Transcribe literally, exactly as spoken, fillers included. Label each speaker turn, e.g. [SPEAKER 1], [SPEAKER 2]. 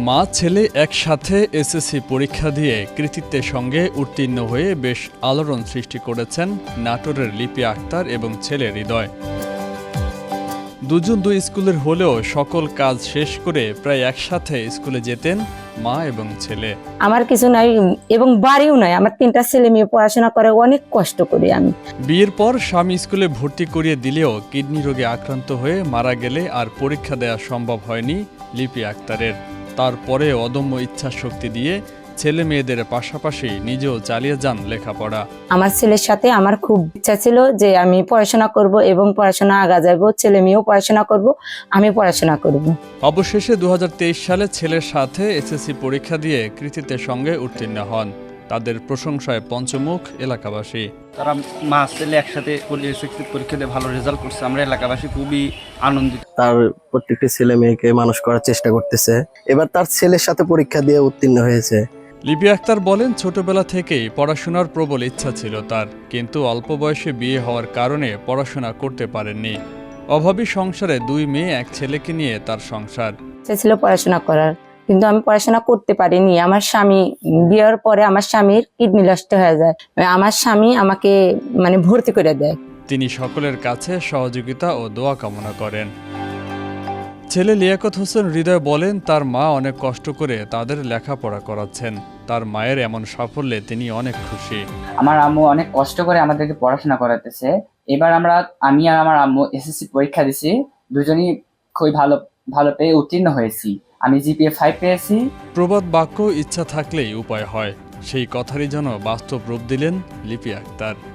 [SPEAKER 1] মা ছেলে একসাথে এসএসসি পরীক্ষা দিয়ে কৃতিত্বের সঙ্গে উত্তীর্ণ হয়ে বেশ আলোড়ন সৃষ্টি করেছেন নাটোরের লিপি আক্তার এবং ছেলে হৃদয়। দুজন দুই স্কুলের হলেও সকল কাজ শেষ করে প্রায় একসাথে স্কুলে যেতেন মা এবং ছেলে।
[SPEAKER 2] আমার কিছু নাই এবং বাড়িও নাই, আমার তিনটা ছেলে মেয়ে পড়াশোনা করে, অনেক কষ্ট করি আমি।
[SPEAKER 1] বিয়ের পর স্বামী স্কুলে ভর্তি করিয়ে দিলেও কিডনি রোগে আক্রান্ত হয়ে মারা গেলে আর পরীক্ষা দেওয়া সম্ভব হয়নি লিপি আক্তারের। তারপরে অদম্য ইচ্ছা শক্তি দিয়ে ছেলে মেয়েদের পাশাপাশি নিজেও চালিয়ে যান লেখাপড়া।
[SPEAKER 2] আমার ছেলের সাথে আমার খুব ইচ্ছা ছিল যে আমি পড়াশোনা করব এবং পড়াশোনা আগা যাব, ছেলে মেয়েও পড়াশোনা করব, আমি পড়াশোনা করব।
[SPEAKER 1] অবশেষে দু হাজার তেইশ সালে ছেলের সাথে এসএসসি পরীক্ষা দিয়ে কৃতিত্বের সঙ্গে উত্তীর্ণ হন। তাদের প্রশংসায় পঞ্চমুখ এলাকাবাসী।
[SPEAKER 3] তারা মা ছেলে একসাথে পরীক্ষা দিয়ে ভালো রেজাল্ট করছে, আমরা এলাকাবাসী খুবই আনন্দিত।
[SPEAKER 4] তার প্রত্যেকটি ছেলে মেয়েকে মানুষ করার চেষ্টা করতেছে, এবার তার ছেলের সাথে পরীক্ষা দিয়ে উত্তীর্ণ হয়েছে।
[SPEAKER 1] লিপি আক্তার বলেন, ছোটবেলা থেকেই পড়াশোনার প্রবল ইচ্ছা ছিল তার, কিন্তু অল্প বয়সে বিয়ে হওয়ার কারণে পড়াশোনা করতে পারেননি। অভাবী সংসারে দুই মেয়ে এক ছেলেকে নিয়ে তার সংসার।
[SPEAKER 2] ইচ্ছা ছিল পড়াশোনা করার, কিন্তু আমি পড়াশোনা করতে পারিনি। আমার স্বামী বিয়ের পরে আমার স্বামীর কিডনি নষ্ট হয়ে যায়, আমার স্বামী আমাকে মানে ভর্তি করে দেয়।
[SPEAKER 1] তিনি সকলের কাছে সহযোগিতা ও দোয়া কামনা করেন। ছেলে লিয়াকত হোসেন হৃদয় বলেন, তার মা অনেক কষ্ট করে তাদের লেখাপড়া করাচ্ছেন। তার মায়ের এমন সাফল্যে তিনি অনেক খুশি।
[SPEAKER 5] আমার আম্মু অনেক কষ্ট করে আমাদেরকে পড়াশোনা করাতেছে। এবার আমরা আমি আর আমার আম্মু এসএসসি পরীক্ষা দিছি, দুজনই খুবই ভালো ভালো পেয়ে উত্তীর্ণ হয়েছি। আমি জিপিএ ফাইভ পেয়েছি।
[SPEAKER 1] প্রবাদ বাক্য ইচ্ছা থাকলেই উপায় হয়, সেই কথারই যেন বাস্তব রূপ দিলেন লিপি আক্তার।